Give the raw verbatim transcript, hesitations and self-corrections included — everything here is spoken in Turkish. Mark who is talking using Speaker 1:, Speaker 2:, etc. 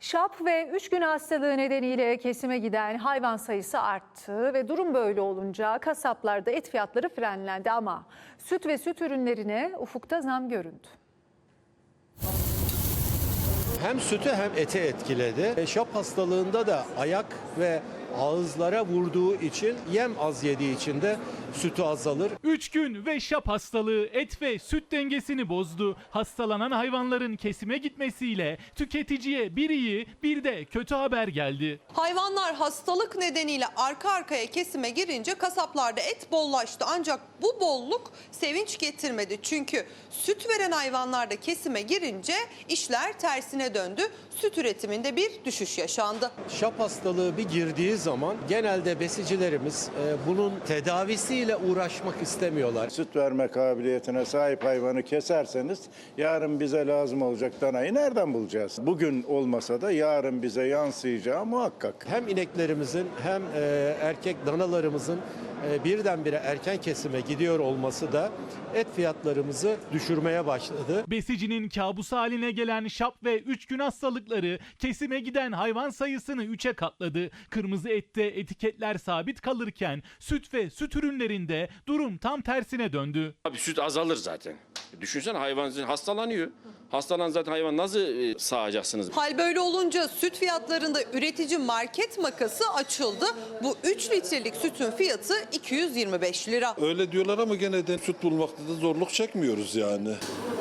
Speaker 1: Şap ve üç gün hastalığı nedeniyle kesime giden hayvan sayısı arttı ve durum böyle olunca kasaplarda et fiyatları frenlendi ama süt ve süt ürünlerine ufukta zam göründü.
Speaker 2: Hem sütü hem ete etkiledi. Şap hastalığında da ayak ve ağızlara vurduğu için, yem az yediği için de sütü azalır.
Speaker 3: üç gün ve şap hastalığı et ve süt dengesini bozdu. Hastalanan hayvanların kesime gitmesiyle tüketiciye bir iyi bir de kötü haber geldi.
Speaker 4: Hayvanlar hastalık nedeniyle arka arkaya kesime girince kasaplarda et bollaştı. Ancak bu bolluk sevinç getirmedi. Çünkü süt veren hayvanlar da kesime girince işler tersine döndü. Süt üretiminde bir düşüş yaşandı.
Speaker 2: Şap hastalığı bir girdiği zaman genelde besicilerimiz e, bunun tedavisiyle uğraşmak istemiyorlar.
Speaker 5: Süt verme kabiliyetine sahip hayvanı keserseniz yarın bize lazım olacak danayı nereden bulacağız? Bugün olmasa da yarın bize yansıyacağı muhakkak.
Speaker 2: Hem ineklerimizin hem e, erkek danalarımızın e, birdenbire erken kesime gidiyor olması da et fiyatlarımızı düşürmeye başladı.
Speaker 3: Besicinin kabusu haline gelen şap ve üç gün hastalıkları kesime giden hayvan sayısını üçe katladı. Kırmızı ette etiketler sabit kalırken süt ve süt ürünlerinde durum tam tersine döndü.
Speaker 6: Abi süt azalır zaten. Düşünsene hayvan hastalanıyor. Hastalanan zaten hayvan nasıl e, sağacaksınız?
Speaker 4: Hal böyle olunca süt fiyatlarında üretici market makası açıldı. Bu üç litrelik sütün fiyatı iki yüz yirmi beş lira.
Speaker 7: Öyle diyorlar ama gene de süt bulmakta da zorluk çekmiyoruz yani.